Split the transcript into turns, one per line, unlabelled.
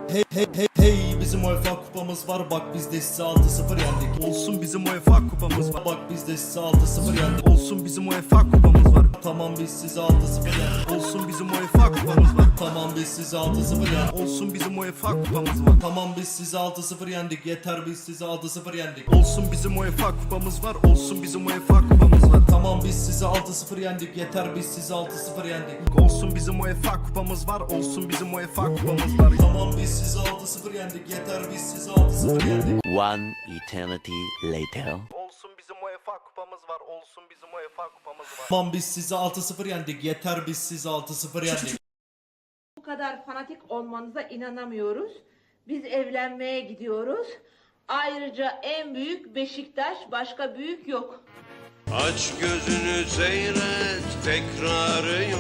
Hey hey hey hey, bizim UEFA kupamız var, bak biz de size 6-0 yendik.
Olsun bizim UEFA kupamız var.
Bak biz de size 6-0 yendik.
Olsun bizim UEFA kupamız var.
Tamam biz size 6-0 yendik.
Olsun bizim UEFA kupamız var.
Tamam biz size 6-0 yendik.
Olsun bizim UEFA kupamız var.
Tamam biz size 6-0 yendik. Yeter biz size 6-0 yendik.
Olsun bizim UEFA kupamız var. Olsun bizim UEFA kupamız var.
Tamam biz size 6-0 yendik. Yeter biz size 6-0 yendik.
Olsun bizim UEFA kupamız var. Olsun bizim UEFA kupamız var.
Tamam biz size 6-0 yendik. Yeter biz size 6-0 yendik.
One eternity later.
Olsun bizim UEFA kupamız var. Olsun bizim UEFA kupamız var.
Tamam biz size 6-0 yendik. Yeter biz size 6-0 yendik.
Bu kadar fanatik olmanıza inanamıyoruz. Biz evlenmeye gidiyoruz. Ayrıca en büyük Beşiktaş, başka büyük yok.
Aç gözünü seyret, tekrarı yok.